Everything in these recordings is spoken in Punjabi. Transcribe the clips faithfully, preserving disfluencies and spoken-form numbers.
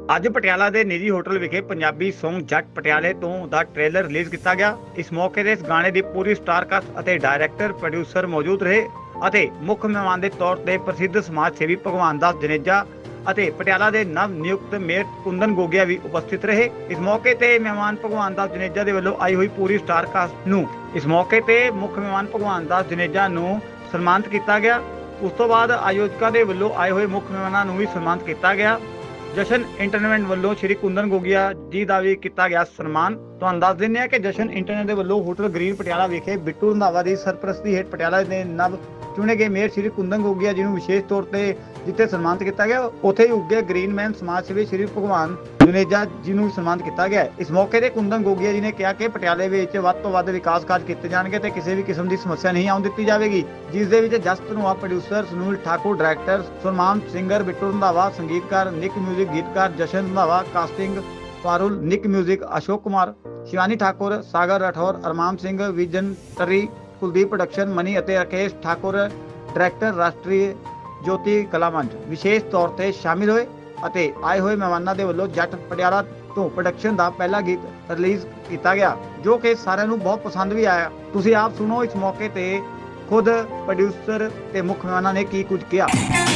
ਅੱਜ ਪਟਿਆਲਾ ਦੇ ਨਿੱਜੀ ਹੋਟਲ ਵਿਖੇ ਪੰਜਾਬੀ ਸੌਂਗ ਜੱਟ ਪਟਿਆਲੇ ਤੋਂ ਦਾ ਟ੍ਰੇਲਰ ਰਿਲੀਜ਼ ਕੀਤਾ ਗਿਆ। ਇਸ ਮੌਕੇ ਤੇ ਇਸ ਗਾਣੇ ਦੀ ਪੂਰੀ ਸਟਾਰ ਕਾਸਟ ਅਤੇ ਡਾਇਰੈਕਟਰ ਪ੍ਰੋਡਿਊਸਰ ਮੌਜੂਦ ਰਹੇ ਅਤੇ ਮੁੱਖ ਮਹਿਮਾਨ ਦੇ ਤੌਰ ਤੇ ਪ੍ਰਸਿੱਧ ਸਮਾਜ ਸੇਵੀ ਭਗਵਾਨ ਦਾਸ ਜਨੇਜਾ ਅਤੇ ਪਟਿਆਲਾ ਦੇ ਨਵ ਨਿਯੁਕਤ ਮੇਅਰ ਕੁੰਦਨ ਗੋਗਿਆ ਵੀ ਉਪਸਥਿਤ ਰਹੇ। ਇਸ ਮੌਕੇ ਤੇ ਮਹਿਮਾਨ ਭਗਵਾਨ ਦਾਸ ਜਨੇਜਾ ਦੇ ਵੱਲੋਂ ਆਈ ਹੋਈ ਪੂਰੀ ਸਟਾਰ ਕਾਸਟ ਨੂੰ ਇਸ ਮੌਕੇ ਤੇ ਮੁੱਖ ਮਹਿਮਾਨ ਭਗਵਾਨ ਦਾਸ ਜਨੇਜਾ ਨੂੰ ਸਨਮਾਨਿਤ ਕੀਤਾ ਗਿਆ। ਉਸ ਤੋਂ ਬਾਅਦ ਆਯੋਜਕਾਂ ਦੇ ਵੱਲੋਂ ਆਏ ਹੋਏ ਮੁੱਖ ਮਹਿਮਾਨਾਂ ਨੂੰ ਵੀ ਸਨਮਾਨਿਤ ਕੀਤਾ ਗਿਆ। ਜਸ਼ਨ ਇੰਟਰਨੈਟ ਵੱਲੋਂ ਸ਼੍ਰੀ ਕੁੰਦਨ ਗੋਗਿਆ ਜੀ ਦਾ ਵੀ ਕੀਤਾ ਗਿਆ ਸਨਮਾਨ। ਤੁਹਾਨੂੰ ਦੱਸ ਦਿੰਦੇ ਹਾਂ ਕਿ ਜਸ਼ਨ ਇੰਟਰਨੈਟ ਦੇ ਵੱਲੋਂ ਹੋਟਲ ਗ੍ਰੀਨ ਪਟਿਆਲਾ ਵਿਖੇ ਬਿੱਟੂ ਰੰਧਾਵਾ ਦੀ ਸਰਪ੍ਰਸਤੀ ਹੇਠ ਪਟਿਆਲਾ ਦੇ ਨਵ ਚੁਣੇ ਗਏ ਮੇਅਰ ਸ਼੍ਰੀ ਕੁੰਦਨ ਗੋਗਿਆ ਜੀ ਨੂੰ ਵਿਸ਼ੇਸ਼ ਤੌਰ ਤੇ ਜਿੱਥੇ ਸਨਮਾਨਿਤ ਕੀਤਾ ਗਿਆ, ਉੱਥੇ ਹੀ ਉੱਗੇ ਗ੍ਰੀਨਮੈਨ ਸਮਾਜ ਸੇਵੀ ਸ਼੍ਰੀ ਭਗਵਾਨ ਜਨੇਜਾ ਜੀ ਨੂੰ ਸਨਮਾਨਿਤ ਕੀਤਾ ਗਿਆ। ਇਸ ਮੌਕੇ ਤੇ ਕੁੰਦਨ ਗੋਗਿਆ ਜੀ ਨੇ ਕਿਹਾ ਕਿ ਪਟਿਆਲੇ ਵਿੱਚ ਵੱਧ ਤੋਂ ਵੱਧ ਵਿਕਾਸ ਕਾਰਜ ਕੀਤੇ ਜਾਣਗੇ ਤੇ ਕਿਸੇ ਵੀ ਕਿਸਮ ਦੀ ਸਮੱਸਿਆ ਨਹੀਂ ਆਉਣ ਦਿੱਤੀ ਜਾਵੇਗੀ, ਜਿਸ ਦੇ ਵਿੱਚ ਜਸਟ Dhanoa producer Sunil Thakur, director Surman singer Bittu Randhawa, ਸੰਗੀਤਕਾਰ ਨਿਕ ਮਿਊਜ਼ਿਕ, ਗੀਤਕਾਰ Jashan Randhawa, casting Parul, Nick music Ashok Kumar, Shivani Thakur, Sagar Rathore, Armaan Singh, vision tree, Kuldeep production, Mani ਅਤੇ ਰਾਕੇਸ਼ ਠਾਕੁਰ ਡਾਇਰੈਕਟਰ ਰਾਸ਼ਟਰੀ ਜੋਤੀ ਕਲਾ ਮੰਚ ਵਿਸ਼ੇਸ਼ ਤੌਰ ਤੇ ਸ਼ਾਮਿਲ ਹੋਏ ਅਤੇ ਆਏ ਹੋਏ ਮਹਿਮਾਨਾਂ ਦੇ ਵੱਲੋਂ ਜੱਟ ਪਟਿਆਲਾ ਤੋਂ ਪ੍ਰੋਡਕਸ਼ਨ ਦਾ ਪਹਿਲਾ ਗੀਤ ਰਿਲੀਜ਼ ਕੀਤਾ ਗਿਆ, ਜੋ ਕਿ ਸਾਰਿਆਂ ਨੂੰ ਬਹੁਤ ਪਸੰਦ ਵੀ ਆਇਆ। ਤੁਸੀਂ ਆਪ ਸੁਣੋ ਇਸ ਮੌਕੇ ਤੇ ਖੁਦ ਪ੍ਰੋਡਿਊਸਰ ਤੇ ਮੁੱਖ ਮਹਿਮਾਨਾਂ ਨੇ ਕੀ ਕੁਝ ਕਿਹਾ।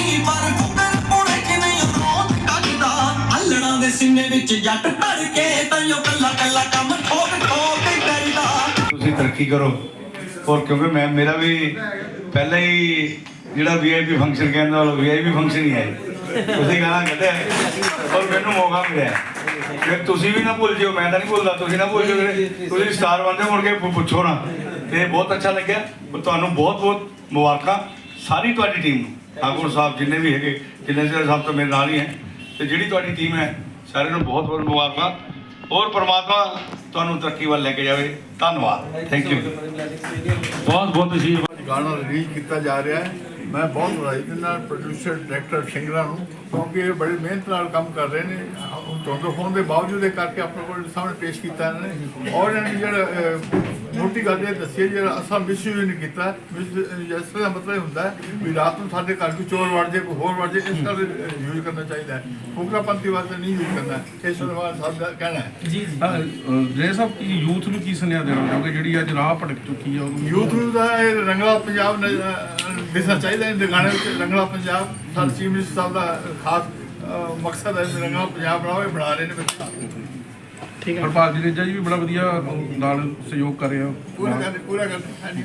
ਅੱਲੜਾਂ ਦੇ ਸੀਨੇ ਵਿੱਚ ਜੱਟ ਭਰ ਕੇ ਤੈਨੂੰ ਕੱਲਾ ਕੱਲਾ ਕੰਮ ਠੋਕ ਠੋਕ ਕਰਦਾ। ਤੁਸੀਂ ਤਰੱਕੀ ਕਰੋ ਔਰ ਕਿਉਂਕਿ ਮੈਂ ਮੇਰਾ ਵੀ ਪਹਿਲਾਂ ਹੀ ਜਿਹੜਾ ਵੀ ਆਈ ਪੀ ਫੰਕਸ਼ਨ ਕਹਿੰਦਾ ਉਹ ਵੀ ਆਈ ਪੀ ਫੰਕਸ਼ਨ ਹੀ ਹੈ। ਤੁਸੀਂ ਗਾਣਾ ਕੱਢਿਆ ਔਰ ਮੈਨੂੰ ਮੌਕਾ ਮਿਲਿਆ, ਫਿਰ ਤੁਸੀਂ ਵੀ ਨਾ ਭੁੱਲ ਜਿਓ, ਮੈਂ ਤਾਂ ਨਹੀਂ ਭੁੱਲਦਾ, ਤੁਸੀਂ ਨਾ ਭੁੱਲ ਜਿਓ। ਤੁਸੀਂ ਸਟਾਰ ਬਣਦੇ ਮੁੜ ਕੇ ਪੁੱਛੋ ਨਾ। ਤੇ ਬਹੁਤ ਅੱਛਾ ਲੱਗਿਆ, ਤੁਹਾਨੂੰ ਬਹੁਤ ਬਹੁਤ ਮੁਬਾਰਕਾਂ ਸਾਰੀ ਤੁਹਾਡੀ ਟੀਮ ਨੂੰ, ਠਾਕੁਰ ਸਾਹਿਬ ਜਿੰਨੇ ਵੀ ਹੈਗੇ, ਜਿੰਨੇ ਸਾਹਿਬ ਤਾਂ ਮੇਰੇ ਨਾਲ ਹੀ ਹੈ, ਤੇ ਜਿਹੜੀ ਤੁਹਾਡੀ ਟੀਮ ਹੈ ਸਾਰਿਆਂ ਨੂੰ ਬਹੁਤ ਬਹੁਤ ਮੁਬਾਰਕਾਂ ਔਰ ਪਰਮਾਤਮਾ ਤੁਹਾਨੂੰ ਤਰੱਕੀ ਵੱਲ ਲੈ ਕੇ ਜਾਵੇ। ਧੰਨਵਾਦ, ਥੈਂਕ ਯੂ। ਬਹੁਤ ਬਹੁਤ ਅਸ਼ੀਰਵਾਦ। ਗਾਣਾ ਰਿਲੀਜ਼ ਕੀਤਾ ਜਾ ਰਿਹਾ ਹੈ। ਮੈਂ ਬਹੁਤ ਵਧਾਈ ਦਿੰਦਾ ਪ੍ਰੋਡਿਊਸਰ ਡਾਇਰੈਕਟਰ ਸਿੰਗਰਾਂ ਨੂੰ, ਕਿਉਂਕਿ ਇਹ ਬੜੀ ਮਿਹਨਤ ਨਾਲ ਕੰਮ ਕਰ ਰਹੇ ਨੇ। ਧੁੰਦ ਹੋਣ ਦੇ ਬਾਵਜੂਦ ਇਹ ਕਰਕੇ ਆਪਣੇ ਕੋਲ ਸਾਹਮਣੇ ਪੇਸ਼ ਕੀਤਾ ਇਹਨਾਂ ਨੇ। ਔਰ ਇਹਨਾਂ ਨੇ ਜਿਹੜਾ ਮੋਟੀ ਗੱਲ ਇਹ ਦੱਸੀ, ਜਿਹੜਾ ਅਸਾਂ ਮਿਸਯੂਜ਼ ਨਹੀਂ ਕੀਤਾ। ਇਸ ਤਰ੍ਹਾਂ ਦਾ ਮਤਲਬ ਹੁੰਦਾ ਹੈ ਵੀ ਰਾਤ ਨੂੰ ਸਾਡੇ ਘਰ ਕੋਈ ਚੋਰ ਵੜ ਜਾਏ, ਕੋਈ ਹੋਰ ਵੜ ਜਾਏ, ਇਸ ਤਰ੍ਹਾਂ ਯੂਜ਼ ਕਰਨਾ ਚਾਹੀਦਾ ਹੈ। ਫੁਕਰਾਪੰਥੀ ਵਾਸਤੇ ਨਹੀਂ ਯੂਜ਼ ਕਰਨਾ, ਇਸ ਤਰ੍ਹਾਂ ਸਾਹਿਬ ਦਾ ਕਹਿਣਾ ਹੈ। ਜੀ ਜੀ ਸਾਹਿਬ, ਕੀ ਯੂਥ ਨੂੰ ਕੀ ਸੁਨੇਹਾ ਦੇਣਾ ਚਾਹੋਗੇ ਜਿਹੜੀ ਅੱਜ ਰਾਹ ਭਟਕ ਚੁੱਕੀ ਹੈ ਉਹਨੂੰ? ਯੂਥ ਨੂੰ ਤਾਂ ਇਹ ਰੰਗਲਾ ਪੰਜਾਬ ਦਿਸਣਾ ਚਾਹੀਦਾ। ਇਹਦੇ ਗਾਣੇ ਵਿੱਚ ਰੰਗਲਾ ਪੰਜਾਬ ਸਾਡੇ ਚੀਫ ਮਿਨਿਸਟਰ ਸਾਹਿਬ ਦਾ ਖਾਸ ਮਕਸਦ ਹੈ। ਰੰਗਲਾ ਪੰਜਾਬ ਬਣਾਓ, ਇਹ ਬਣਾ ਰਹੇ ਨੇ ਬੱਚੇ। ਠੀਕ ਹੈ। ਹਰਪਾਲ ਜਨੇਜਾ ਜੀ ਵੀ ਬੜਾ ਵਧੀਆ ਨਾਲ ਸਹਿਯੋਗ ਕਰ ਰਹੇ ਹੋ। ਪੂਰਾ ਕਰਦੇ ਪੂਰਾ ਕਰਦੇ ਹਾਂਜੀ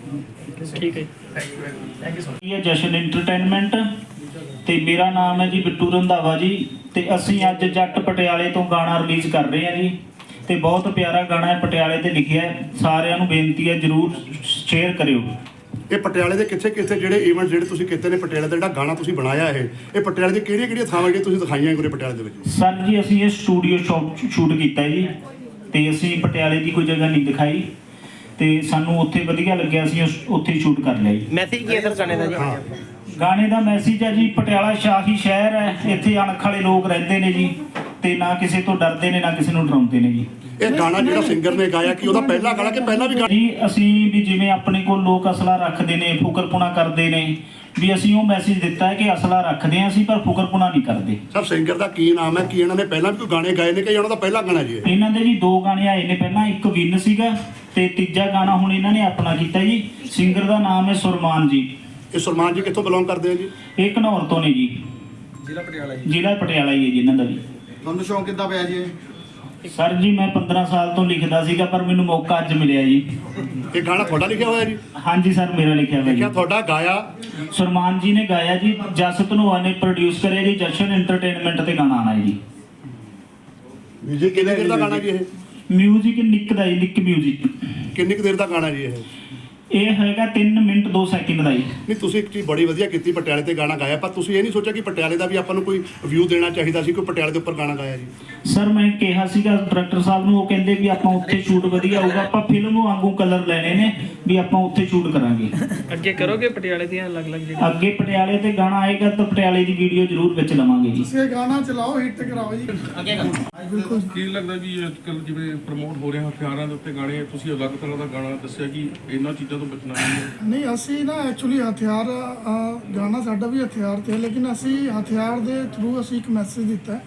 ਠੀਕ ਹੈ। Thank you thank you so much. ਇਹ ਜਸ਼ਨ ਐਂਟਰਟੇਨਮੈਂਟ ਤੇ ਮੇਰਾ ਨਾਮ ਹੈ ਜੀ ਬਿੱਟੂ ਰੰਧਾਵਾ ਜੀ, ਤੇ ਅਸੀਂ ਅੱਜ ਜੱਟ ਪਟਿਆਲੇ ਤੋਂ ਗਾਣਾ ਰਿਲੀਜ਼ ਕਰ ਰਹੇ ਹਾਂ ਜੀ, ਤੇ ਬਹੁਤ ਪਿਆਰਾ ਗਾਣਾ ਹੈ, ਪਟਿਆਲੇ ਤੇ ਲਿਖਿਆ ਹੈ। ਸਾਰਿਆਂ ਨੂੰ ਬੇਨਤੀ ਹੈ ਜਰੂਰ ਸ਼ੇਅਰ ਕਰਿਓ। ਇਹ ਪਟਿਆਲੇ ਦੇ ਕਿੱਥੇ ਕਿੱਥੇ ਜਿਹੜੇ ਇਵੈਂਟ ਜਿਹੜੇ ਤੁਸੀਂ ਕੀਤੇ ਨੇ, ਪਟਿਆਲੇ ਦਾ ਜਿਹੜਾ ਗਾਣਾ ਤੁਸੀਂ ਬਣਾਇਆ ਇਹ ਇਹ ਪਟਿਆਲੇ ਦੀ ਕਿਹੜੀਆਂ ਕਿਹੜੀਆਂ ਥਾਵਾਂ ਜਿਹੜੀਆਂ ਤੁਸੀਂ ਦਿਖਾਈਆਂ ਗੁਰੇ ਪਟਿਆਲੇ ਦੇ ਵਿੱਚ? ਸਰ ਜੀ ਅਸੀਂ ਇਹ ਸਟੂਡੀਓ ਸ਼ੂਟ ਕੀਤਾ ਜੀ, ਤੇ ਅਸੀਂ ਪਟਿਆਲੇ ਦੀ ਕੋਈ ਜਗ੍ਹਾ ਨਹੀਂ ਦਿਖਾਈ, ਤੇ ਸਾਨੂੰ ਉੱਥੇ ਵਧੀਆ ਲੱਗਿਆ, ਅਸੀਂ ਉੱਥੇ ਸ਼ੂਟ ਕਰ ਲਿਆ ਜੀ। ਮੈਸੇਜ ਕੀ ਹੈ ਸਰ ਗਾਣੇ ਦਾ ਜੀ? ਗਾਣੇ ਦਾ ਮੈਸੇਜ ਹੈ ਜੀ, ਪਟਿਆਲਾ ਸ਼ਾਹੀ ਸ਼ਹਿਰ ਹੈ, ਇੱਥੇ ਅਣਖ ਵਾਲੇ ਲੋਕ ਰਹਿੰਦੇ ਨੇ ਜੀ, ਤੇ ਨਾ ਕਿਸੇ ਤੋਂ ਡਰਦੇ ਨੇ ਨਾ ਕਿਸੇ ਨੂੰ ਡਰਾਉਂਦੇ ਨੇ ਜੀ। ਇਹ ਗਾਣਾ ਜਿਹੜਾ ਸਿੰਗਰ ਨੇ ਗਾਇਆ ਕਿ ਉਹਦਾ ਪਹਿਲਾ ਗਾਣਾ ਕਿ ਪਹਿਲਾਂ ਵੀ ਗਾਣਾ? ਜੀ ਅਸੀਂ ਵੀ ਜਿਵੇਂ ਆਪਣੇ ਕੋਲ ਲੋਕ ਅਸਲਾ ਰੱਖਦੇ ਨੇ, ਫੁਕਰਪੁਣਾ ਕਰਦੇ ਨੇ, ਵੀ ਅਸੀਂ ਉਹ ਮੈਸੇਜ ਦਿੱਤਾ ਹੈ ਕਿ ਅਸਲਾ ਰੱਖਦੇ ਹਾਂ ਅਸੀਂ, ਪਰ ਫੁਕਰਪੁਣਾ ਨਹੀਂ ਕਰਦੇ। ਸਰ ਸਿੰਗਰ ਦਾ ਕੀ ਨਾਮ ਹੈ? ਕੀ ਇਹਨਾਂ ਨੇ ਪਹਿਲਾਂ ਵੀ ਕੋਈ ਗਾਣੇ ਗਾਏ ਨੇ ਕਿ ਇਹਨਾਂ ਦਾ ਪਹਿਲਾ ਗਾਣਾ ਜੀ? ਇਹਨਾਂ ਦੇ ਜੀ ਦੋ ਗਾਣੇ ਆਏ ਨੇ ਪਹਿਲਾਂ, ਇੱਕ ਵਿਨ ਸੀਗਾ ਤੇ ਤੀਜਾ ਗਾਣਾ ਹੁਣ ਇਹਨਾਂ ਨੇ ਆਪਣਾ ਕੀਤਾ ਜੀ। ਸਿੰਗਰ ਦਾ ਨਾਮ ਹੈ ਸੁਰਮਾਨ ਜੀ। ਇਹ ਸੁਰਮਾਨ ਜੀ ਕਿੱਥੋਂ ਬਿਲੋਂਗ ਕਰਦੇ ਆ ਜੀ? ਇਹ ਘਨੌਰ ਤੋਂ ਨੇ ਜੀ, ਜ਼ਿਲ੍ਹਾ ਪਟਿਆਲਾ ਜੀ। ਜ਼ਿਲ੍ਹਾ ਪਟਿਆਲਾ ਹੀ ਹੈ ਜੀ ਇਹਨਾਂ ਦਾ ਵੀ। ਤੁਹਾਨੂੰ ਸ਼ੌਂਕ ਕਿੱਦਾਂ ਪਿਆ ਜੀ? ਸਰ ਜੀ ਮੈਂ ਪੰਦਰਾਂ ਸਾਲ ਤੋਂ ਲਿਖਦਾ ਸੀਗਾ, ਪਰ ਮੈਨੂੰ ਮੌਕਾ ਅੱਜ ਮਿਲਿਆ ਜੀ। ਇਹ ਗਾਣਾ ਤੁਹਾਡਾ ਲਿਖਿਆ ਹੋਇਆ ਜੀ? ਹਾਂਜੀ ਸਰ, ਮੇਰਾ ਲਿਖਿਆ ਹੋਇਆ ਲਿਖਿਆ ਜੀ। ਤੁਹਾਡਾ, ਗਾਇਆ ਸੁਰਮਾਨ ਜੀ ਨੇ ਗਾਇਆ ਜੀ, ਜਸ ਧਨੋਆ ਨੇ ਪ੍ਰੋਡਿਊਸ ਕਰਿਆ ਜੀ। ਜਸ਼ਨ ਐਂਟਰਟੇਨਮੈਂਟ ਤੇ ਗਾਣਾ ਆਣਾ ਜੀ। ਮਿਊਜ਼ਿਕ ਕਿੰਨੇ ਦੇਰ ਦਾ ਗਾਣਾ ਜੀ ਇਹ? ਮਿਊਜ਼ਿਕ ਨਿੱਕ ਦਾ ਜੀ, ਨਿੱਕ ਮਿਊਜ਼ਿਕ। ਕਿੰਨੀ ਕੁ ਦੇਰ ਦਾ ਗਾਣਾ ਜੀ ਇਹ? ਇਹ ਹੈਗਾ ਤਿੰਨ ਮਿੰਟ ਦੋ ਸੈਕਿੰਡ ਦਾ ਜੀ। ਨਹੀਂ ਤੁਸੀਂ ਇੱਕ ਚੀਜ਼ ਬੜੀ ਵਧੀਆ ਕੀਤੀ, ਪਟਿਆਲੇ ਤੇ ਗਾਣਾ ਗਾਇਆ, ਪਰ ਤੁਸੀਂ ਇਹ ਨਹੀਂ ਸੋਚਿਆ ਕਿ ਪਟਿਆਲੇ ਦਾ ਵੀ ਆਪਾਂ ਨੂੰ ਕੋਈ ਵਿਊ ਦੇਣਾ ਚਾਹੀਦਾ ਸੀ, ਕੋਈ ਪਟਿਆਲੇ ਦੇ ਉੱਪਰ ਗਾਣਾ ਗਾਇਆ ਜੀ? ਸਰ ਮੈਂ ਕਿਹਾ ਸੀਗਾ ਡਾਇਰੈਕਟਰ ਸਾਹਿਬ ਨੂੰ, ਉਹ ਕਹਿੰਦੇ ਵੀ ਆਪਾਂ ਉੱਥੇ ਸ਼ੂਟ ਵਧੀਆ ਹੋਊਗਾ, ਆਪਾਂ ਫਿਲਮ ਵਾਂਗੂ ਕਲਰ ਲੈਣੇ ਨੇ, ਵੀ ਆਪਾਂ ਉੱਥੇ ਸ਼ੂਟ ਕਰਾਂਗੇ। ਅੱਗੇ ਕਰੋਗੇ ਪਟਿਆਲੇ ਦੀਆਂ ਅਲੱਗ-ਅਲੱਗ ਜਿਹੜੀਆਂ? ਅੱਗੇ ਪਟਿਆਲੇ ਤੇ ਗਾਣਾ ਆਏਗਾ ਤਾਂ ਪਟਿਆਲੇ ਦੀ ਵੀਡੀਓ ਜ਼ਰੂਰ ਵਿੱਚ ਲਵਾਂਗੇ ਜੀ। ਤੁਸੀਂ ਗਾਣਾ ਚਲਾਓ, ਹਿੱਟ ਕਰਾਓ ਜੀ। ਅੱਗੇ ਕਰੋ। ਬਿਲਕੁਲ ਕੀ ਲੱਗਦਾ ਵੀ ਅੱਜ ਕੱਲ੍ਹ ਜਿਵੇਂ ਪ੍ਰਮੋਟ ਹੋ ਰਿਹਾ ਹਥਿਆਰਾਂ ਦੇ ਉੱਤੇ ਗਾਣੇ, ਤੁਸੀਂ ਅਲੱਗ ਤਰ੍ਹਾਂ ਦਾ ਗਾਣਾ ਦੱਸਿਆ ਕਿ ਇਹਨਾਂ ਚੀਜ਼ਾਂ ਤੋਂ ਬਚਣਾ ਹੈ? ਨਹੀਂ ਅਸੀਂ ਨਾ ਐਕਚੁਅਲੀ ਹਥਿਆਰ ਗਾਣਾ ਸਾਡਾ ਵੀ ਹਥਿਆਰ ਤੇ, ਲੇਕਿਨ ਅਸੀਂ ਹਥਿਆਰ ਦੇ ਥਰੂ ਅਸੀਂ ਇੱਕ ਮੈਸੇਜ ਦਿੱਤਾ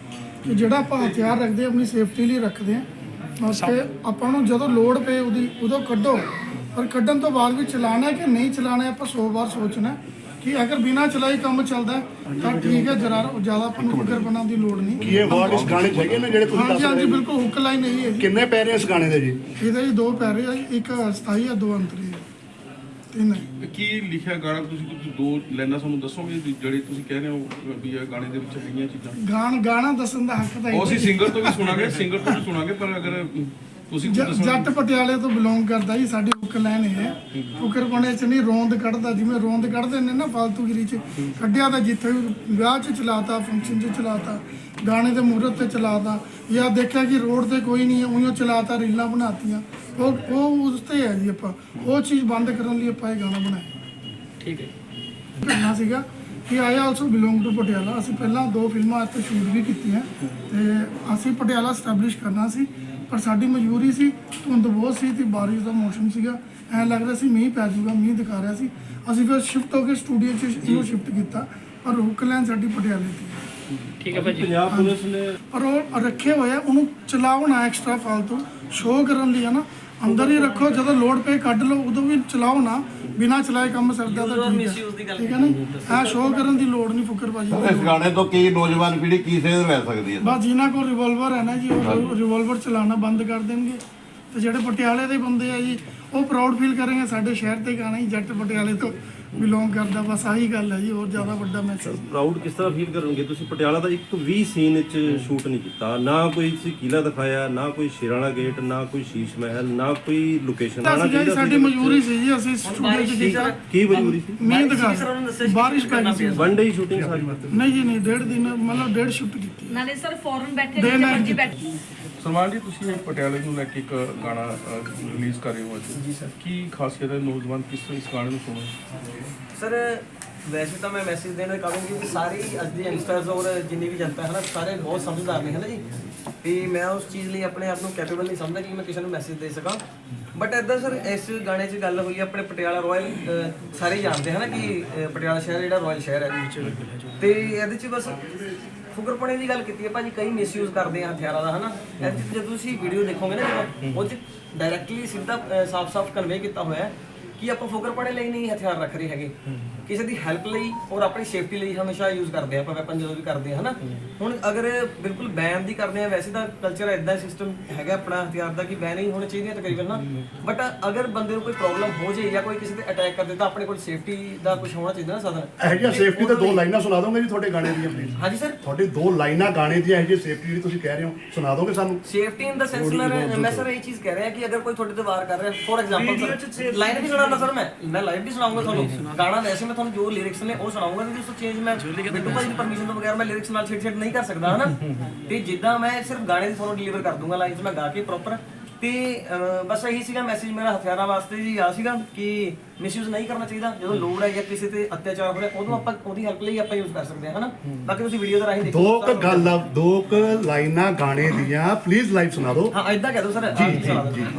ਕਿ ਜਿਹੜਾ ਆਪਾਂ ਹਥਿਆਰ ਰੱਖਦੇ ਹਾਂ, ਆਪਣੀ ਸੇਫਟੀ ਲਈ ਰੱਖਦੇ ਹਾਂ ਅਤੇ ਆਪਾਂ ਨੂੰ ਜਦੋਂ ਲੋੜ ਪਏ ਉਹਦੀ ਉਦੋਂ ਕੱਢੋ, ਪਰ ਕੱਢਣ ਤੋਂ ਬਾਅਦ ਵੀ ਚਲਾਉਣਾ ਹੈ ਕਿ ਨਹੀਂ ਚਲਾਉਣਾ ਹੈ ਆਪਾਂ ਸੌ ਵਾਰ ਸੋਚਣਾ ਹੈ ਕਿ ਅਗਰ ਬਿਨਾਂ ਚਲਾਈ ਕੰਮ ਚੱਲਦਾ ਹੈ ਤਾਂ ਠੀਕ ਹੈ, ਜਰਾ ਜ਼ਿਆਦਾ ਆਪਾਂ ਨੂੰ ਫਿਕਰ ਬਣਾਉਣ ਦੀ ਲੋੜ ਨਹੀਂ। ਕੀ ਇਹ ਵਰਡ ਇਸ ਗਾਣੇ 'ਚ ਹੈਗੇ ਨੇ ਜਿਹੜੇ ਤੁਸੀਂ ਹਾਂਜੀ ਦੱਸ ਹਾਂਜੀ ਰਹੇ ਹੋ? ਬਿਲਕੁਲ ਹੁੱਕ ਲਾਈਨ ਇਹੀ ਹੈ ਜੀ। ਕਿੰਨੇ ਪੈਰੇ ਇਸ ਗਾਣੇ ਦੇ ਜੀ? ਇਹਦੇ ਜੀ ਦੋ ਪੈਰੇ ਆ ਜੀ, ਇੱਕ ਸਥਾਈ ਆ, ਦੋ ਅੰਤਰੀ ਆ, ਤਿੰਨ ਹੈ। ਕੀ ਲਿਖਿਆ ਗਾਣਾ ਤੁਸੀਂ ਕੁਝ ਦੋ ਲਾਈਨਾਂ ਸਾਨੂੰ ਦੱਸੋਗੇ ਵੀ ਜਿਹੜੇ ਤੁਸੀਂ ਕਹਿ ਰਹੇ ਹੋ ਵੀ ਇਹ ਗਾਣੇ ਦੇ ਵਿੱਚ ਹੈਗੀਆਂ ਚੀਜ਼ਾਂ? ਗਾਣ ਗਾਣਾ ਦੱਸਣ ਦਾ ਹੱਕ ਤਾਂ ਉਹ ਅਸੀਂ ਇਹ ਸਿੰਗਰ ਤੋਂ ਵੀ ਸੁਣਾਂਗੇ, ਸਿੰਗਰ ਤੋਂ ਵੀ ਸੁਣਾਂਗੇ, ਪਰ ਅਗਰ ਤੁਸੀਂ ਕੁਝ ਜ- ਦੱਸੋ। ਜੱਟ ਪਟਿਆਲੇ ਤੋਂ ਬਿਲੋਂਗ ਕਰਦਾ ਜੀ, ਸਾਡੀ ਹੁੱਕ ਲਾਈਨ ਇਹ ਹੈ, ਫੁਕਰਪਣੇ ਚ ਨਹੀਂ ਰੋਂਦ ਕੱਢਦਾ, ਜਿਵੇਂ ਰੋਂਦ ਕੱਢਦੇ ਨੇ ਨਾ ਫਾਲਤੂਗਿਰੀ ਚ ਕੱਢਿਆ ਤਾਂ ਜਿੱਥੇ ਵੀ ਵਿਆਹ ਚ ਚਲਾਤਾ, ਫੰਕਸ਼ਨ ਚ ਚਲਾਤਾ, ਗਾਣੇ ਦੇ ਮੂਹਰਤ ਤੇ ਚਲਾਤਾ, ਜਾਂ ਦੇਖਿਆ ਕਿ ਰੋਡ ਤੇ ਕੋਈ ਨਹੀਂ ਹੈ ਉਹੀਓ ਚਲਾਤਾ, ਰੀਲਾਂ ਬਣਾਤੀਆਂ, ਉਹ ਉਹ ਉਸ ਤੇ ਹੈ ਜੀ। ਆਪਾਂ ਉਹ ਚੀਜ਼ ਬੰਦ ਕਰਨ ਲਈ ਆਪਾਂ ਇਹ ਗਾਣਾ ਬਣਾਇਆ। ਠੀਕ ਹੈ। ਕਹਿਣਾ ਸੀਗਾ ਕਿ I also belong to Patiala. ਅਸੀਂ ਪਹਿਲਾਂ ਦੋ ਫਿਲਮਾਂ ਇੱਥੇ ਸ਼ੂਟ ਵੀ ਕੀਤੀਆਂ ਤੇ ਅਸੀਂ ਪਟਿਆਲਾ ਸਟੈਬਲਿਸ਼ ਕਰਨਾ ਸੀ, ਪਰ ਸਾਡੀ ਮਜਬੂਰੀ ਸੀ, ਧੁੰਦ ਬਹੁਤ ਸੀ ਤੇ ਬਾਰਿਸ਼ ਦਾ ਮੌਸਮ ਸੀਗਾ, ਐਂ ਲੱਗ ਰਿਹਾ ਸੀ ਮੀਂਹ ਪੈ ਜਾਊਗਾ, ਮੀਂਹ ਦਿਖਾ ਰਿਹਾ ਸੀ। ਅਸੀਂ ਫਿਰ ਸ਼ਿਫਟ ਹੋ ਕੇ ਸਟੂਡੀਓ 'ਚ ਇਹਨੂੰ ਸ਼ਿਫਟ ਕੀਤਾ, ਪਰ ਹੁੱਕ ਲਾਈਨ ਸਾਡੀ ਪਟਿਆਲੇ ਦੀ। ਠੀਕ ਹੈ ਭਾਜੀ। ਪੰਜਾਬ ਪੁਲਿਸ ਨੇ ਪਰ ਉਹ ਰੱਖੇ ਹੋਏ ਆ, ਉਹਨੂੰ ਚਲਾਓ ਨਾ ਐਕਸਟਰਾ ਫਾਲਤੂ ਸ਼ੋਅ ਕਰਨ ਲਈ, ਹੈ ਨਾ, ਅੰਦਰ ਹੀ ਰੱਖੋ, ਜਦੋਂ ਲੋਡ ਪਏ ਕੱਢ ਲਓ, ਉਦੋਂ ਵੀ ਚਲਾਓ ਨਾ, ਬਿਨਾਂ ਚਲਾਏ ਕੰਮ ਸਰਦਾ ਤਾਂ ਠੀਕ ਹੈ, ਠੀਕ ਹੈ ਨਾ। ਇਹ ਸ਼ੋਅ ਕਰਨ ਦੀ ਲੋੜ ਨਹੀਂ ਫੁਕਰਬਾਜੀ ਦੀ। ਇਸ ਗਾਣੇ ਤੋਂ ਕੀ ਨੌਜਵਾਨ ਪੀੜ੍ਹੀ ਕੀ ਸੇਧ ਲੈ ਸਕਦੀ ਹੈ? ਬਸ ਜਿਨ੍ਹਾਂ ਕੋਲ ਰਿਵੋਲਵਰ ਹੈ ਨਾ ਜੀ, ਉਹ ਰਿਵੋਲਵਰ ਚਲਾਉਣਾ ਬੰਦ ਕਰ ਦੇਣਗੇ, ਤੇ ਜਿਹੜੇ ਪਟਿਆਲੇ ਦੇ ਬੰਦੇ ਆ ਜੀ, ਉਹ ਪ੍ਰਾਊਡ ਫੀਲ ਕਰਨਗੇ ਸਾਡੇ ਸ਼ਹਿਰ ਤੇ ਗਾਣਾ ਹੀ ਜੱਟ ਪਟਿਆਲੇ ਤੋਂ ਬਿਲੋਂਗ ਕਰਦਾ। ਬਸ ਆਹੀ ਗੱਲ ਹੈ ਜੀ, ਹੋਰ ਜ਼ਿਆਦਾ ਵੱਡਾ ਮੈਸੇਜ। ਪ੍ਰਾਊਡ ਕਿਸ ਤਰ੍ਹਾਂ ਫੀਲ ਕਰਨਗੇ? ਤੁਸੀਂ ਪਟਿਆਲਾ ਦਾ ਇੱਕ ਵੀ ਸੀਨ ਵਿੱਚ ਸ਼ੂਟ ਨਹੀਂ ਕੀਤਾ, ਨਾ ਕੋਈ ਤੁਸੀਂ ਕਿਲਾ ਦਿਖਾਇਆ, ਨਾ ਕੋਈ ਸ਼ੇਰਾਣਾ ਗੇਟ, ਨਾ ਕੋਈ ਸ਼ੀਸ਼ ਮਹਿਲ, ਨਾ ਕੋਈ ਲੋਕੇਸ਼ਨ ਆਣਾ ਸਾਡੀ ਸਾਡੀ ਮਜਬੂਰੀ ਸੀ ਜੀ, ਅਸੀਂ ਸਟੂਡੀਓ 'ਚ ਕੀਤਾ। ਕੀ ਮਜਬੂਰੀ ਸੀ? ਮੀਂਹ ਦਿਖਾ, ਬਾਰਿਸ਼ ਪੈ ਗਈ ਸੀ। ਵਨ ਡੇ ਸ਼ੂਟਿੰਗ ਸਾਰੀ? ਨਹੀਂ ਜੀ ਨਹੀਂ, ਡੇਢ ਦਿਨ ਮਤਲਬ ਡੇਢ ਸ਼ਿਫਟ ਕੀਤੀ। ਨਾਲੇ ਸਰ ਫੌਰਨ ਬੈਠੇ Day ਜਿੱਥੇ night ਮਰਜੀ ਬੈਠੇ। ਸਲਮਾਨ ਜੀ, ਤੁਸੀਂ ਇਹ ਪਟਿਆਲੇ ਨੂੰ ਲੈ ਕੇ ਇੱਕ ਗਾਣਾ ਰਿਲੀਜ਼ ਕਰ ਰਹੇ ਹੋ ਅੱਜ। ਜੀ ਸਰ। ਕੀ ਖਾਸੀਅਤ ਹੈ, ਨੌਜਵਾਨ ਕਿਸ ਤਰ੍ਹਾਂ ਇਸ ਗਾਣੇ ਨੂੰ ਸੁਣਨ? ਸਰ ਵੈਸੇ ਤਾਂ ਮੈਂ ਮੈਸੇਜ ਦੇਣਾ ਚਾਹਾਂਗਾ ਕਿ ਸਾਰੀ ਅੱਜ ਦੀ ਯੰਗਸਟਰਸ ਔਰ ਜਿੰਨੀ ਵੀ ਜਨਤਾ ਹੈ ਨਾ, ਸਾਰੇ ਬਹੁਤ ਸਮਝਦਾਰ ਨੇ, ਹੈ ਨਾ ਜੀ। ਤੇ ਮੈਂ ਉਸ ਚੀਜ਼ ਲਈ ਆਪਣੇ ਆਪ ਨੂੰ ਕੈਪੇਬਲ ਨਹੀਂ ਸਮਝਦਾ ਕਿ ਮੈਂ ਕਿਸੇ ਨੂੰ ਮੈਸੇਜ ਦੇ ਸਕਾਂ। ਬਟ ਇੱਦਾਂ ਸਰ, ਇਸ ਗਾਣੇ 'ਚ ਗੱਲ ਹੋਈ ਆਪਣੇ ਪਟਿਆਲਾ ਰਾਇਲ, ਸਾਰੇ ਜਾਣਦੇ ਹਨ ਨਾ ਕਿ ਅ, ਪਟਿਆਲਾ ਸ਼ਹਿਰ ਜਿਹੜਾ ਰਾਇਲ ਸ਼ਹਿਰ ਹੈ, ਤੇ ਇਹਦੇ 'ਚ ਬਸ ਫੁਕਰਪਣੇ ਦੀ ਗੱਲ ਕੀਤੀ ਹੈ ਭਾਜੀ। ਕਈ ਮਿਸਯੂਜ਼ ਕਰਦੇ ਆ ਹਥਿਆਰਾਂ ਦਾ, ਹੈ ਨਾ। ਇਹਦੇ 'ਚ ਜਦੋਂ ਤੁਸੀਂ ਵੀਡੀਓ ਦੇਖੋਗੇ ਨਾ, ਜਦੋਂ ਉਹ 'ਚ ਡਾਇਰੈਕਟਲੀ ਸਿੱਧਾ ਸਾਫ਼-ਸਾਫ਼ ਕਨਵੇ ਕੀਤਾ ਹੋਇਆ ਹੈ ਕਿ ਆਪਾਂ ਫੁਕਰਪਣੇ ਲਈ ਨਹੀਂ ਹਥਿਆਰ ਰੱਖ ਰਹੇ ਹੈਗੇ, ਕਿਸੇ ਦੀ ਹੈਲਪ ਲਈ ਔਰ ਆਪਣੀ ਸੇਫਟੀ ਲਈ ਹਮੇਸ਼ਾ ਯੂਜ਼ ਕਰਦੇ ਆ ਆਪਾਂ ਵੈਪਨ ਜਦੋਂ ਵੀ ਕਰਦੇ ਆ, ਹਨਾ। ਹੁਣ ਅਗਰ ਬਿਲਕੁਲ ਬੈਨ ਦੀ ਕਰਦੇ ਆ, ਵੈਸੇ ਤਾਂ ਕਲਚਰ ਇਦਾਂ ਸਿਸਟਮ ਹੈਗਾ ਆਪਣਾ ਹਥਿਆਰ ਦਾ ਕਿ ਬੈਨ ਹੀ ਹੋਣੇ ਚਾਹੀਦੇ ਆ ਤਕਰੀਬਨ ਨਾ। ਬਟ ਅਗਰ ਬੰਦੇ ਨੂੰ ਕੋਈ ਪ੍ਰੋਬਲਮ ਹੋ ਜਾਏ ਜਾਂ ਕੋਈ ਕਿਸੇ ਤੇ ਅਟੈਕ ਕਰ ਦੇ ਤਾਂ ਆਪਣੇ ਕੋਲ ਸੇਫਟੀ ਦਾ ਕੁਝ ਹੋਣਾ ਚਾਹੀਦਾ ਨਾ ਸਾਧਨ। ਇਹੋ ਜਿਹੀਆਂ ਸੇਫਟੀ ਤੇ ਦੋ ਲਾਈਨਾਂ ਸੁਣਾ ਦੋਗੇ ਜੀ ਤੁਹਾਡੇ ਗਾਣੇ ਦੀਆਂ ਪਲੀਜ਼? ਹਾਂਜੀ ਸਰ। ਤੁਹਾਡੀ ਦੋ ਲਾਈਨਾਂ ਗਾਣੇ ਦੀਆਂ ਇਹੋ ਜਿਹੀ ਸੇਫਟੀ ਜਿਹੜੀ ਤੁਸੀਂ ਕਹਿ ਰਹੇ ਹੋ ਸੁਣਾ ਦੋਗੇ ਸਾਨੂੰ? ਸੇਫਟੀ ਇਨ ਦਾ ਸੈਂਸ ਮੈਂ ਸਰ ਇਹ ਚੀਜ਼ ਕਹਿ ਰਿਹਾ ਕਿ ਅਗਰ ਕੋਈ ਤੁਹਾਡੇ ਤੇ ਵਾਰ ਕਰ ਰਿਹਾ, ਫੋਰ ਐਗਜ਼ਾਮਪਲ ਸਰ ਲਾਈਨ ਵੀ ਸੁਣਾਉਂਦਾ ਸਰ, ਮੈਂ ਮੈਂ ਲਾਈਵ ਵੀ ਸੁਣਾਉਂਗਾ ਤੁਹਾਨੂੰ ਗਾਣਾ। ਵੈਸੇ ਮੈਂ ਤੁਹਾਨੂੰ ਜੋ ਲਿਰਿਕਸ ਨੇ ਉਹ ਸੁਣਾਉਂਗਾ, ਕਿਉਂਕਿ ਉਸ ਤੋਂ ਚੇਂਜ ਮੈਂ ਬਿੱਟੂ ਭਾਜੀ ਦੀ ਪਰਮਿਸ਼ਨ ਤੋਂ ਬਗੈਰ ਮੈਂ ਲਿਰਿਕਸ ਨਾਲ ਛੇੜ ਛੇੜ ਨਹੀਂ ਕਰ ਸਕਦਾ, ਹਨਾ। ਤੇ ਜਿੱਦਾਂ ਮੈਂ ਸਿਰਫ ਗਾਣੇ ਦੀ ਤੁਹਾਨੂੰ ਡਿਲੀਵਰ ਕਰ ਦੂੰਗਾ ਲਾਈਨਸ ਮੈਂ ਗਾ ਕੇ ਪ੍ਰੋਪਰ। ਤੇ ਬਸ ਇਹੀ ਸੀਗਾ ਮੈਸੇਜ ਮੇਰਾ ਹਥਿਆਰਾਂ ਵਾਸਤੇ ਜੀ, ਆ ਸੀਗਾ ਕਿ ਮਿਸਯੂਜ਼ ਨਹੀਂ ਕਰਨਾ ਚਾਹੀਦਾ। ਜਦੋਂ ਲੋੜ ਹੈ ਜਾਂ ਕਿਸੇ ਤੇ ਅਤਿਆਚਾਰ ਹੋ ਰਿਹਾ, ਉਦੋਂ ਆਪਾਂ ਉਹਦੀ ਹੈਲਪ ਲਈ ਆਪਾਂ ਯੂਜ਼ ਕਰ ਸਕਦੇ ਹਾਂ, ਹਨਾ। ਬਾਕੀ ਤੁਸੀਂ ਵੀਡੀਓ ਦਾ ਰਾਹੀਂ ਦੇਖੋ। ਦੋ ਕ ਗੱਲ ਆ, ਦੋ ਕ ਲਾਈਨਾਂ ਗਾਣੇ ਦੀਆਂ ਪਲੀਜ਼ ਲਾਈਵ ਸੁਣਾ ਦਿਓ। ਹਾਂ ਇਦਾਂ ਕਹਿ ਦਿਓ ਸਰ। ਜੀ ਜੀ ਜੀ।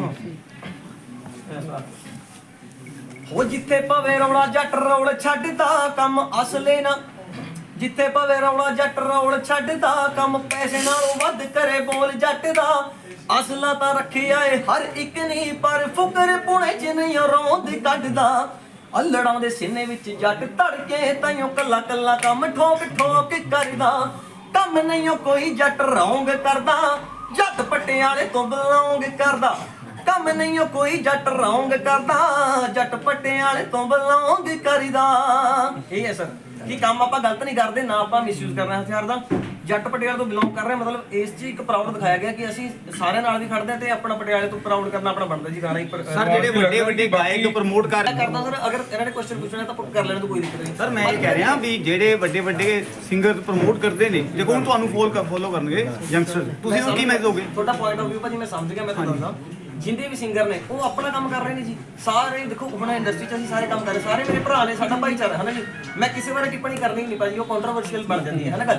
ਹੋ ਜਿੱਥੇ ਪਵੇ ਰੌਲਾ ਜੱਟ ਰੌਲ ਛੱਡਦਾ ਕੰਮ ਅਸਲੇ ਨਾ, ਜਿੱਥੇ ਪਵੇ ਰੌਲਾ ਜੱਟ ਰੌਲ ਛੱਡਦਾ ਕੰਮ ਪੈਸੇ ਨਾਲੋਂ ਵੱਧ ਕਰੇ ਬੋਲ ਜੱਟ ਦਾ। ਅਸਲਾ ਤਾਂ ਰੱਖਿਆ ਏ ਹਰ ਇੱਕ ਨਹੀਂ, ਪਰ ਫੁਕਰ ਪੁਣੇ ਚ ਨਹੀਂ ਰੋਂਦ ਕੱਢਦਾ। ਅਲੜਾਂ ਦੇ ਸੀਨੇ ਵਿੱਚ ਜੱਟ ਧੜਕੇ ਤਾਈਓ ਕੱਲਾ ਕੱਲਾ ਕੰਮ ਠੋਕ ਠੋਕ ਕਰਦਾ। ਕੰਮ ਨਹੀਂ ਕੋਈ ਜੱਟ ਰੌਂਗ ਕਰਦਾ, ਜੱਟ ਪਟਿਆਲੇ ਤੋਂ ਬਿਲੋਂਗ ਕਰਦਾ। ਕੰਮ ਨਹੀਂ ਕੋਈ ਜੱਟ ਰੌਂਗ ਕਰਦਾ, ਜੱਟ ਪਟਿਆਲੇ ਤੋਂ ਬਿਲੋਂਗ ਕਰੀਦਾ। ਇਹ ਹੈ ਸਰ ਕਿ ਕੰਮ ਆਪਾਂ ਗਲਤ ਨਹੀਂ ਕਰਦੇ, ਨਾ ਆਪਾਂ ਮਿਸਯੂਜ਼ ਕਰਨਾ ਹਥਿਆਰ ਦਾ। ਜੱਟ ਪਟਿਆਲੇ ਤੋਂ ਬਿਲੋਂਗ ਕਰ ਰਹੇ, ਮਤਲਬ ਇਸ 'ਚ ਇੱਕ ਪ੍ਰਾਊਡ ਦਿਖਾਇਆ ਗਿਆ ਕਿ ਅਸੀਂ ਸਾਰਿਆਂ ਨਾਲ ਵੀ ਖੜਦੇ ਆ ਤੇ ਆਪਣਾ ਪਟਿਆਲੇ ਤੋਂ ਪ੍ਰਾਊਡ ਕਰਨਾ ਆਪਣਾ ਬਣਦਾ ਜੀ ਗਾਣਾ ਹੀ। ਸਰ ਜਿਹੜੇ ਵੱਡੇ ਵੱਡੇ ਗਾਇਕ ਪ੍ਰਮੋਟ ਕਰ ਕਰਦਾ ਸਰ, ਅਗਰ ਇਹਨਾਂ ਨੇ ਕੁਐਸਚਨ ਪੁੱਛਣਾ ਤਾਂ ਕਰ ਲੈਣ ਤੋਂ ਕੋਈ ਦਿੱਕਤ ਨਹੀਂ। ਸਰ ਮੈਂ ਇਹ ਕਹਿ ਰਿਹਾ ਵੀ ਜਿਹੜੇ ਵੱਡੇ ਵੱਡੇ ਸਿੰਗਰ ਪ੍ਰਮੋਟ ਕਰਦੇ ਨੇ, ਦੇਖੋ ਹੁਣ ਤੁਹਾਨੂੰ ਫੋਲ ਫੋਲੋ ਕਰਨਗੇ ਯੰਗਸਟਰ, ਤੁਸੀਂ ਉਹ ਕੀ ਮੈਸੇਜ ਦੋਗੇ? ਤੁਹਾਡਾ ਪੁਆਇੰਟ ਆਫ ਵਿਊ ਭਾਜੀ ਮੈਂ ਸਮਝ ਗਿਆ। ਮੈਂ ਤੁਹਾਨੂੰ ਦੱਸਦਾ, ਜਿੰਦੇ ਵੀ ਸਿੰਗਰ ਨੇ ਉਹ ਆਪਣਾ ਕੰਮ ਕਰ ਰਹੇ ਨੇ ਜੀ ਸਾਰੇ। ਦੇਖੋ ਹੁਣ ਇੰਡਸਟਰੀ 'ਚ ਅਸੀਂ ਸਾਰੇ ਕੰਮ ਕਰ ਰਹੇ, ਸਾਰੇ ਮੇਰੇ ਭਰਾ ਨੇ, ਸਾਡਾ ਭਾਈਚਾਰਾ ਹੈ ਨਾ ਜੀ। ਮੈਂ ਕਿਸੇ ਬਾਰੇ ਟਿੱਪਣੀ ਕਰਨੀ ਨਹੀਂ ਭਾਜੀ, ਉਹ ਕੰਟਰੋਵਰਸ਼ੀਅਲ ਬਣ ਜਾਂਦੀ ਹੈ ਨਾ ਗੱਲ।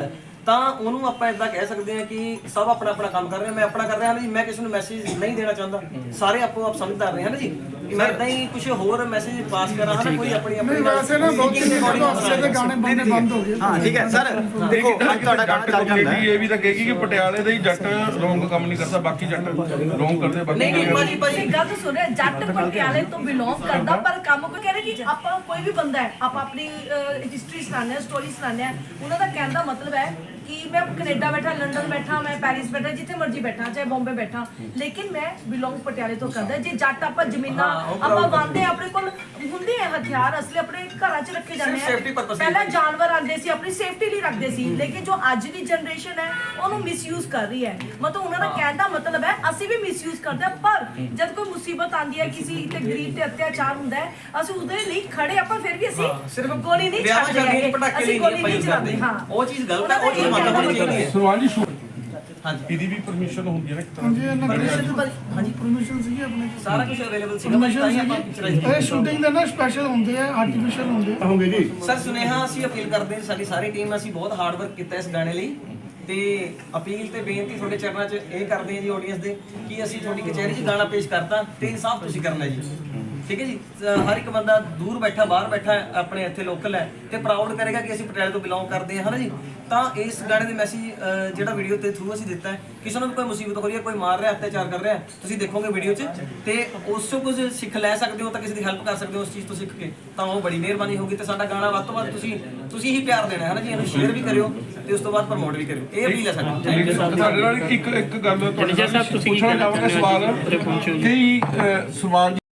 ਤਾਂ ਉਹਨੂੰ ਆਪਾਂ ਇਦਾਂ ਕਹਿ ਸਕਦੇ ਹਾਂ ਕਿ ਸਭ ਆਪਣਾ ਆਪਣਾ ਕੰਮ ਕਰ ਰਹੇ ਆ, ਮੈਂ ਆਪਣਾ ਕਰ ਰਿਹਾ ਹਾਂ ਜੀ, ਮੈਂ ਕਿਸੇ ਨੂੰ ਮੈਸੇਜ ਨਹੀਂ ਦੇਣਾ ਚਾਹੁੰਦਾ, ਸਾਰੇ ਆਪੋ ਆਪ ਸਮਝਦਾਰ ਨੇ ਹਨ ਜੀ, ਕਿ ਮੈਂ ਇਦਾਂ ਹੀ ਕੁਝ ਹੋਰ ਮੈਸੇਜ ਪਾਸ ਕਰਾਂ ਹਨਾ, ਕੋਈ ਆਪਣੀ ਨਹੀਂ ਆਪਣੀ ਵੈਸੇ ਨਾ ਬਹੁਤ ਹਾਸੇ ਦੇ ਗਾਣੇ ਬੰਦੇ ਬੰਦ ਹੋ ਗਏ ਹਾਂ ਠੀਕ ਹੈ ਸਰ, ਦੇਖੋ ਅੱਜ ਤੁਹਾਡਾ ਗਾਣਾ ਚੱਲ ਜਾਂਦਾ ਹੈ। ਇਹ ਵੀ ਤਾਂ ਕਹੇਗੀ ਕਿ ਪਟਿਆਲੇ ਦੇ ਹੀ ਜੱਟ ਰੋਂਗ ਕੰਮ ਨਹੀਂ ਕਰਦਾ, ਬਾਕੀ ਜੱਟ ਰੋਂਗ ਕਰਦੇ, ਬਾਕੀ ਨਹੀਂ ਨਹੀਂ ਭਾਜੀ ਭਾਜੀ ਇਹ ਗੱਲ ਸੁਣਿਆ ਜੱਟ ਪਟਿਆਲੇ ਤੋਂ ਬਿਲੋਂਗ ਕਰਦਾ ਪਰ ਕੰਮ ਕੋਈ ਕਹਿ ਰਿਹਾ ਕਿ ਆਪਾਂ ਕੋਈ ਵੀ ਬੰਦਾ ਹੈ ਆਪਾਂ ਆਪਣੀ ਹਿਸਟਰੀ ਸੁਣਾਉਂਦੇ ਹਾਂ ਸਟੋਰੀ ਸੁਣਾਉਂਦੇ ਹਾਂ, ਉਹਨਾਂ ਦਾ ਕਹਿਣ ਦਾ ਮਤਲਬ ਹੈ ਕਿ ਮੈਂ ਕੈਨੇਡਾ ਬੈਠਾ, ਲੰਡਨ ਬੈਠਾ, ਮੈਂ ਪੈਰਿਸ ਬੈਠਾ, ਜਿੱਥੇ ਮਰਜ਼ੀ ਬੈਠਾ, ਚਾਹੇ ਬੰਬੇ ਬੈਠਾ, ਲੇਕਿਨ ਮੈਂ ਬਿਲੋਂਗ ਪਟਿਆਲੇ ਤੋਂ ਕਰਦਾ। ਜੇ ਜੱਟ ਆਪਾਂ ਜ਼ਮੀਨਾਂ ਆਪਾਂ ਵਾਂਦੇ ਆਪਣੇ ਕੋਲ ਹੁੰਦੇ ਆ ਹਥਿਆਰ ਅਸਲੇ ਆਪਣੇ ਘਰਾਂ 'ਚ ਰੱਖੇ ਜਾਂਦੇ ਆ, ਪਹਿਲਾਂ ਜਾਨਵਰ ਆਉਂਦੇ ਸੀ ਆਪਣੀ ਸੇਫਟੀ ਲਈ ਰੱਖਦੇ ਸੀ, ਲੇਕਿਨ ਜੋ ਅੱਜ ਦੀ ਜਨਰੇਸ਼ਨ ਹੈ ਉਹਨੂੰ ਮਿਸਯੂਜ਼ ਕਰ ਰਹੀ ਹੈ। ਮਤਲਬ ਉਹਨਾਂ ਦਾ ਕਹਿਣ ਦਾ ਮਤਲਬ ਹੈ ਅਸੀਂ ਵੀ ਮਿਸਯੂਜ਼ ਕਰਦੇ ਹਾਂ, ਪਰ ਜਦ ਕੋਈ ਮੁਸੀਬਤ ਆਉਂਦੀ ਹੈ ਕਿਸੇ ਤੇ ਗਰੀਬ ਤੇ ਅਤਿਆਚਾਰ ਹੁੰਦਾ ਹੈ ਅਸੀਂ ਉਹਦੇ ਲਈ ਖੜੇ, ਆਪਾਂ ਫਿਰ ਵੀ ਅਸੀਂ ਸਿਰਫ ਗੋਲੀ ਨਹੀਂ ਛੱਡਦੇ, ਅਸੀਂ ਗੋਲੀ ਨਹੀਂ ਚਲਾਉਂਦੇ। ਹਾਂ ਉਹ ਚੀਜ਼ ਗਲਤ ਹੈ, ਉਹ ਚੀਜ਼ ਮੰਨ ਹੋਣੀ ਚਾਹੀਦੀ ਹੈ। ਸਵਾਲ ਜੀ ਸ਼ੂਟ ਹਾਂਜੀ ਇਹਦੀ ਵੀ ਪਰਮਿਸ਼ਨ ਹੁੰਦੀ ਹੈ ਨਾ ਇੱਕ ਤਰ੍ਹਾਂ ਹਾਂਜੀ ਇਹਨਾਂ ਕੋਲ ਹਾਂਜੀ ਪਰਮਿਸ਼ਨ ਸੀਗੀ ਆਪਣੇ ਸਾਰਾ ਕੁਝ ਅਵੇਲੇਬਲ ਸੀਗਾ ਭਾਈ, ਤਾਂ ਹੀ ਆਪਾਂ ਪਿਕਚਰਾਈਜ਼ ਇਹ ਸ਼ੂਟਿੰਗ ਦੇ ਨਾ ਸਪੈਸ਼ਲ ਹੁੰਦੇ ਆ, ਆਰਟੀਫੀਸ਼ੀਅਲ ਹੁੰਦੇ ਆ। ਹੋਗੇ ਜੀ ਸਰ ਸੁਨੇਹਾ ਅਸੀਂ ਅਪੀਲ ਕਰਦੇ ਹਾਂ, ਸਾਡੀ ਸਾਰੀ ਟੀਮ ਅਸੀਂ ਬਹੁਤ ਹਾਰਡ ਵਰਕ ਕੀਤਾ ਇਸ ਗਾਣੇ ਲਈ, ਤੇ ਅਪੀਲ ਤੇ ਬੇਨਤੀ ਤੁਹਾਡੇ ਚਰਨਾਂ 'ਚ ਇਹ ਕਰਦੇ ਹਾਂ ਜੀ ਆਡੀਅנס ਦੇ ਕਿ ਅਸੀਂ ਤੁਹਾਡੀ ਕਚਹਿਰੀ 'ਚ ਗਾਣਾ ਪੇਸ਼ ਕਰਤਾ ਤੇ ਇਨਸਾਫ ਤੁਸੀਂ ਕਰਨਾ ਜੀ, ਠੀਕ ਹੈ ਜੀ। ਹਰ ਇੱਕ ਬੰਦਾ ਦੂਰ ਬੈਠਾ ਬਾਹਰ ਬੈਠਾ ਆਪਣੇ ਇੱਥੇ ਲੋਕਲ ਹੈ ਤੇ ਪ੍ਰਾਊਡ ਕਰੇਗਾ ਕਿ ਅਸੀਂ ਪਟਿਆਲੇ ਤੋਂ ਬਿਲੋਂਗ ਕਰਦੇ ਹਾਂ ਹਨਾ ਜੀ। ਤਾਂ ਇਸ ਗਾਣੇ ਦੇ ਮੈਸੇਜ ਜਿਹੜਾ ਵੀਡੀਓ ਦੇ ਥਰੂ ਅਸੀਂ ਦਿੱਤਾ ਹੈ, ਕਿਸੇ ਨੂੰ ਵੀ ਕੋਈ ਮੁਸੀਬਤ ਹੋ ਰਹੀ ਹੈ, ਕੋਈ ਮਾਰ ਰਿਹਾ, ਅਤਿਆਚਾਰ ਕਰ ਰਿਹਾ, ਤੁਸੀਂ ਦੇਖੋਗੇ ਵੀਡੀਓ 'ਚ ਤੇ ਉਸ ਤੋਂ ਕੁਝ ਸਿੱਖ ਲੈ ਸਕਦੇ ਹੋ, ਤਾਂ ਕਿਸੇ ਦੀ ਹੈਲਪ ਕਰ ਸਕਦੇ ਹੋ ਉਸ ਚੀਜ਼ ਤੋਂ ਸਿੱਖ ਕੇ, ਤਾਂ ਉਹ ਬੜੀ ਮਿਹਰਬਾਨੀ ਹੋਗੀ। ਤੇ ਸਾਡਾ ਗਾਣਾ ਵੱਧ ਤੋਂ ਵੱਧ ਤੁਸੀਂ ਤੁਸੀਂ ਹੀ ਪਿਆਰ ਦੇਣਾ ਹੈ ਨਾ ਜੀ, ਇਹਨੂੰ ਸ਼ੇਅਰ ਵੀ ਕਰਿਓ ਤੇ ਉਸ ਤੋਂ ਬਾਅਦ ਪ੍ਰਮੋਟ ਵੀ ਕਰਿਓ, ਇਹ ਅਪੀਲ ਹੈ ਸਾਡੀ। ਤੁਹਾਡੇ ਨਾਲ ਇੱਕ ਇੱਕ ਗੱਲ ਤੁਹਾਡੇ ਨਾਲ ਪੁੱਛਣਾ ਚਾਹਾਂਗਾ ਸਵਾਲ, ਕਈ ਅਹ, ਸਵਾਲ